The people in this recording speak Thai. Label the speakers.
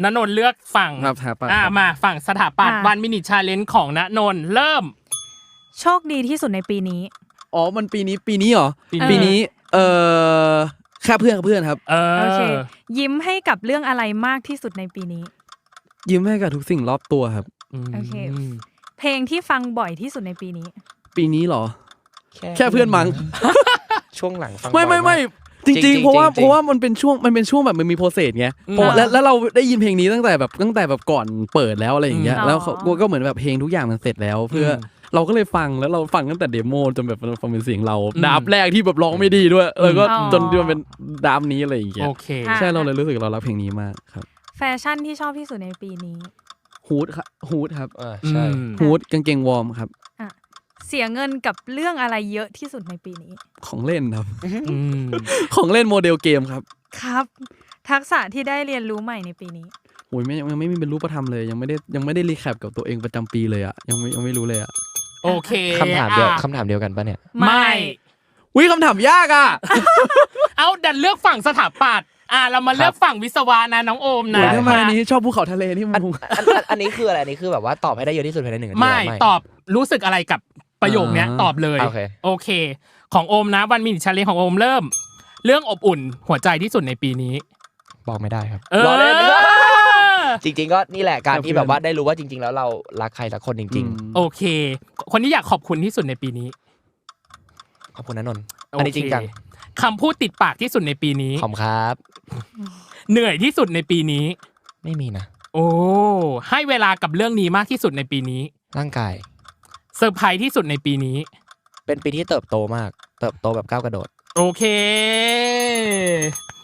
Speaker 1: ณนนท์เลือกฝั่งมาฝั่งสถาปัตย์วันมินิชาเลนจ์ของณนนท์เริ่ม
Speaker 2: โชคดีที่สุดในปีนี้
Speaker 3: อ๋อมันปีนี้เหรอปีนี้แค่เพื่อนครับ
Speaker 2: โอเคยิ้มให้กับเรื่องอะไรมากที่สุดในปีนี้
Speaker 3: ยิ้มให้กับทุกสิ่งรอบตัวครับ
Speaker 2: โอเคเพลงที่ฟังบ่อยที่สุดในปีนี้
Speaker 3: เหรอแค่เพื่อนมั้ง
Speaker 4: ช่วงหลังฟัง
Speaker 3: ไม่จริงๆเพราะว่ามันเป็นช่วงแบบมันมีโปรเซสไงแล้วเราได้ยินเพลงนี้ตั้งแต่แบบก่อนเปิดแล้วอะไรอย่างเงี้ยแล้วก็เหมือนแบบเพลงทุกอย่างมันเสร็จแล้วเพื่อเราก็เลยฟังแล้วเราฟังตั้งแต่เดโมจนแบบฟังเป็นเสียงเราดับแรกที่แบบร้องไม่ดีด้วยแล้วก็จนมันเป็นดับนี้อะไรอย่างเงี้ยใช่เราเลยรู้สึกเรารักเพลงนี้มากครับ
Speaker 2: แฟชั่นที่ชอบที่สุดในปีนี้
Speaker 3: ฮูดครับ
Speaker 4: ใช่
Speaker 3: ฮูดกางเกงวอร์มครับ
Speaker 2: เสียเงินกับเรื่องอะไรเยอะที่สุดในปีนี้
Speaker 3: ของเล่นครับของเล่นโมเดลเกมครับ
Speaker 2: ครับทักษะที่ได้เรียนรู้ใหม่ในปีนี้
Speaker 3: โอ้ยยังไม่มีเป็นรูปธรรมเลยยังไม่ได้รีแคปกับตัวเองประจำปีเลยอ่ะยังไม่รู้เลยอ่ะ
Speaker 1: โอเค
Speaker 4: คำถามเดียวกันปะเนี่ย
Speaker 1: ไม่
Speaker 3: วิคำถามยากอ่ะ
Speaker 1: เอาดันเลือกฝั่งสถาปัตย์เรามาเลือกฝั่งวิศวะนะน้องโอมนะ
Speaker 3: ทำไมนี้ชอบภูเขาทะเลที่มัน
Speaker 4: อันนี้คืออะไรอันนี้คือแบบว่าตอบให้ได้เยอะที่สุดภายใน1 นาที
Speaker 1: ไม่ตอบรู้สึกอะไรกับประโยคเนี้ยตอบเลยโอเคของโอมนะวันมินิชาเลนจ์ของโอมเริ่มเรื่องอบอุ่นหัวใจที่สุดในปีนี้
Speaker 4: บอกไม่ได้ครับรอเล่นจริงๆก็นี่แหละการที่แบบว่าได้รู้ว่าจริงๆแล้วเรารักใครสักคนจริง
Speaker 1: ๆโอเคคนที่อยากขอบคุณที่สุดในปีนี้
Speaker 4: ขอบคุณณนนท์อันนี้จริงจัง
Speaker 1: คำพูดติดปากที่สุดในปีนี้
Speaker 4: ขอบครับ
Speaker 1: เหนื่อยที่สุดในปีนี้
Speaker 4: ไม่มีนะ
Speaker 1: โอ้ให้เวลากับเรื่องนี้มากที่สุดในปีนี้
Speaker 4: ร่างกาย
Speaker 1: เซอร์ไพรส์ที่สุดในปีนี้
Speaker 4: เป็นปีที่เติบโตมากเติบโตแบบก้าวกระโดด
Speaker 1: โอเค